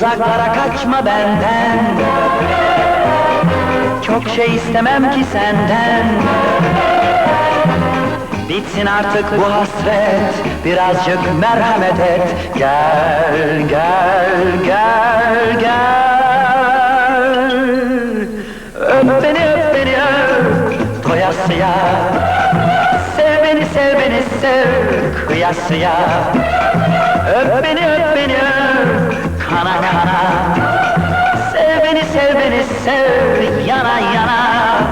Uzaklara kaçma benden. Çok şey istemem ki senden. Bitsin artık bu hasret, birazcık merhamet et. Gel, gel, gel, gel. Öp beni, öp beni, öp, doyasıya. Sev beni, sev beni, sev, kıyasıya. Öp beni, öp beni, öp, kana kana. Sev beni, sev beni, sev, yana yana.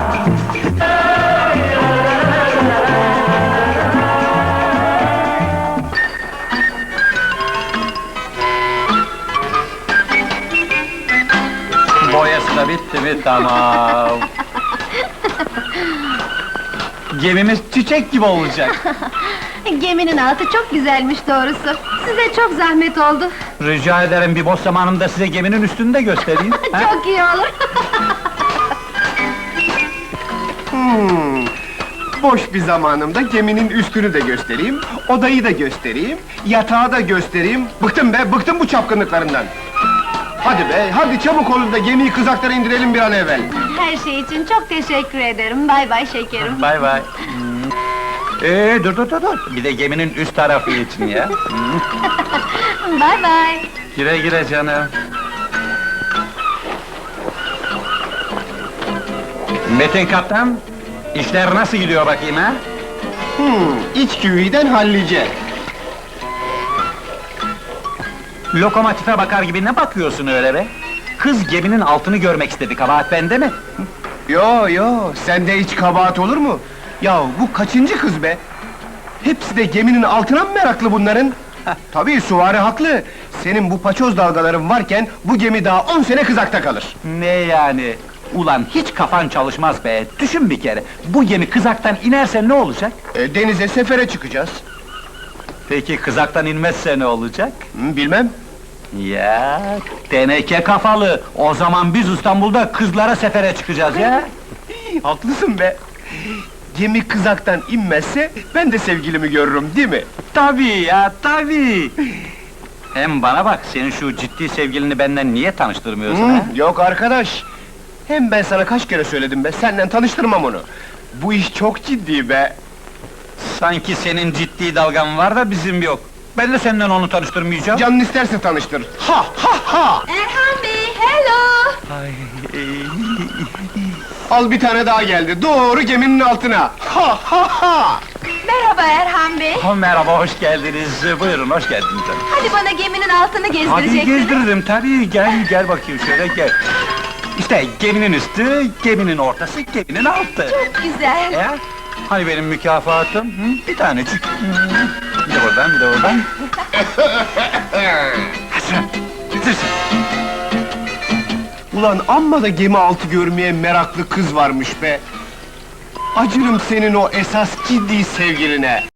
Boyası da bitti mi? Tamam. Gemimiz çiçek gibi olacak. Geminin altı çok güzelmiş doğrusu. Size çok zahmet oldu. Rica ederim, bir boş zamanımda size geminin üstünü de göstereyim. ha? Çok iyi olur. Boş bir zamanımda geminin üstünü de göstereyim, odayı da göstereyim, yatağı da göstereyim. Bıktım be, bıktım bu çapkınlıklarından. Hadi be, hadi çabuk olun da gemiyi kızaklara indirelim bir an evvel. Her şey için çok teşekkür ederim. Bay bay şekerim. Bay bay. Dur dur dur dur! Bir de geminin üst tarafı için ya. Bay bay. Güle güle canım. Metin kaptan, işler nasıl gidiyor bakayım ha? İç güveyden hallice. Lokomotife bakar gibi ne bakıyorsun öyle be? Kız geminin altını görmek istedi, kabahat bende mi? Yo yo, sende hiç kabahat olur mu? Ya bu kaçıncı kız be? Hepsi de geminin altına mı meraklı bunların? Tabii süvari haklı. Senin bu paçoz dalgaların varken bu gemi daha 10 sene kızakta kalır. Ne yani? Ulan hiç kafan çalışmaz be! Düşün bir kere, bu gemi kızaktan inerse ne olacak? Denize sefere çıkacağız. Peki kızaktan inmezse ne olacak? Bilmem. Ya teneke kafalı! O zaman biz İstanbul'da kızlara sefere çıkacağız ya! Haklısın be. Gemi kızaktan inmezse ben de sevgilimi görürüm, değil mi? Tabii ya, tabii! Hem bana bak, senin şu ciddi sevgilini benden niye tanıştırmıyorsun ha? Yok arkadaş. Hem ben sana kaç kere söyledim be, senden tanıştırmam onu. Bu iş çok ciddi be. Sanki senin ciddi dalgan var da bizim yok. Ben de senden onu tanıştırmayacağım. Canın isterse tanıştır. Ha ha ha! Erhan Bey, hello! Ay, Al bir tane daha geldi, doğru geminin altına! Ha ha ha! Merhaba Erhan Bey. merhaba, hoş geldiniz. Buyurun, hoş geldiniz. Hadi bana geminin altını Hadi gezdireceksiniz. gezdiririm tabii, gel bakayım şöyle gel. İşte geminin üstü, geminin ortası, geminin altı. Çok güzel. Ya, hani benim mükafatım? Bir tanecik. Bir de oradan, bir de oradan. Hasan, bitirsin. Ulan amma da gemi altı görmeye meraklı kız varmış be! Acırım senin o esas ciddi sevgiline!